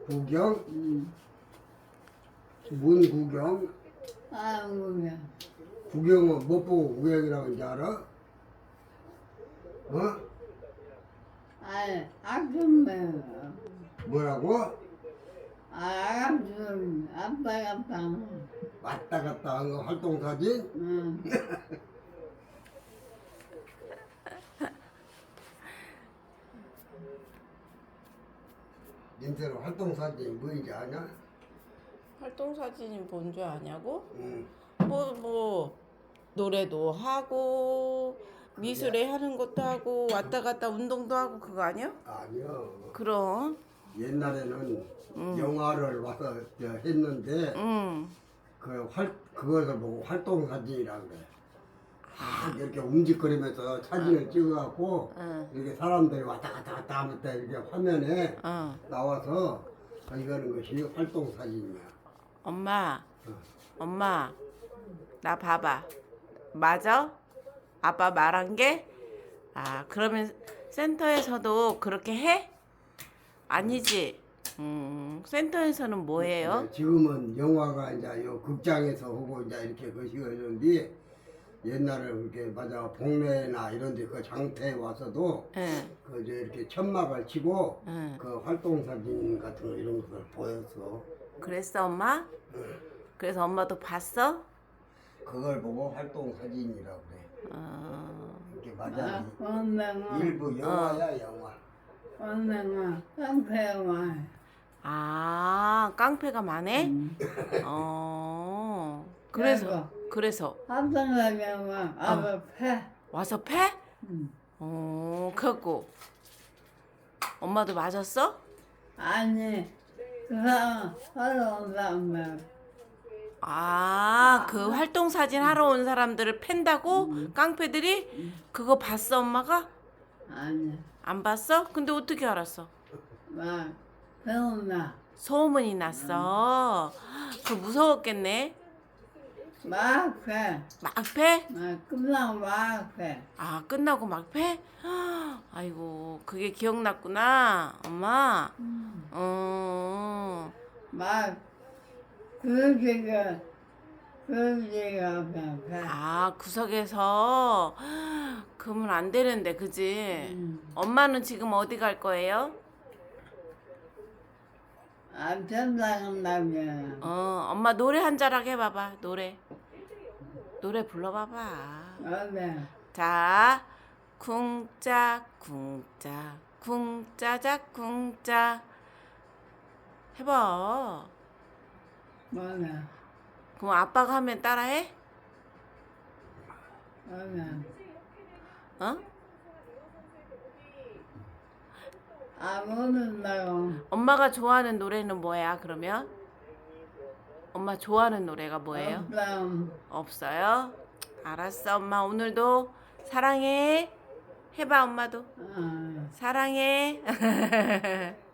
구경? 응. 뭔 구경? 아, 뭐야. 구경은 못 보고 구경이라고 하는지 알아? 어? 아, 아줌마. 뭐라고? 아줌마. 아빠. 왔다 갔다 한 거 활동사진? 응. 인터넷 활동사진이 뭐인지 아냐? 활동 사진이 뭔 줄 아냐고? 응. 뭐 노래도 하고 미술에 하는 것도 하고 왔다 갔다 운동도 하고 그거 아니야? 아니요. 그럼 옛날에는 영화를 와서 했는데 그것을 보고 활동사진이라고 그래. 이렇게 움직거리면서 사진을 찍어갖고 이렇게 사람들이 왔다 갔다 하면서 이렇게 화면에 나와서 이거는 것이 활동사진이야. 엄마 나 봐봐 맞아? 아빠 말한 게? 아 그러면 센터에서도 그렇게 해? 아니지? 센터에서는 뭐 해요? 지금은 영화가 이제 요 극장에서 하고 이제 이렇게 것이가 있는데 옛날에 이렇게 맞아 동네나 이런 데 그 장터에 와서도 응. 그 이제 이렇게 천막을 치고 응. 그 활동사진 같은 거 이런 것을 보였어. 그랬어 엄마? 그래서 엄마도 봤어? 그걸 보고 활동사진이라고 그래. 이렇게 맞아. 엄마가. 일부 영화야 영화. 엄마가. 깡패가. 아 깡패가 많해? 그래서 합성하면 아빠 패. 와서 패? 응. 그래갖고 엄마도 맞았어? 아니, 그 사람 하러 온 사람. 아, 그 활동 사진 하러 온 사람들을 팬다고? 깡패들이? 그거 봤어, 엄마가? 아니, 안 봤어? 근데 어떻게 알았어? 막, 배운다. 소문이 났어. 그 무서웠겠네. 막 패. 막 패? 막, 끝나고 막 패. 아, 끝나고 막 패? 아이고, 그게 기억났구나, 엄마. 막, 그렇게가 그냥 패. 아, 구석에서 그러면 안 되는데, 그지? 엄마는 지금 어디 갈 거예요? 안 된다면, 엄마 노래 한 자락 해봐봐, 노래 불러봐봐. 어때? 자, 쿵짝 쿵짝 쿵짜작 쿵짜 해봐. 뭐냐? 그럼 아빠가 하면 따라해? 뭐냐? 어? 안 오는다고. 엄마가 좋아하는 노래는 뭐야, 그러면? 엄마 좋아하는 노래가 뭐예요? 없어요? 알았어, 엄마 오늘도 사랑해. 해봐, 엄마도. 사랑해.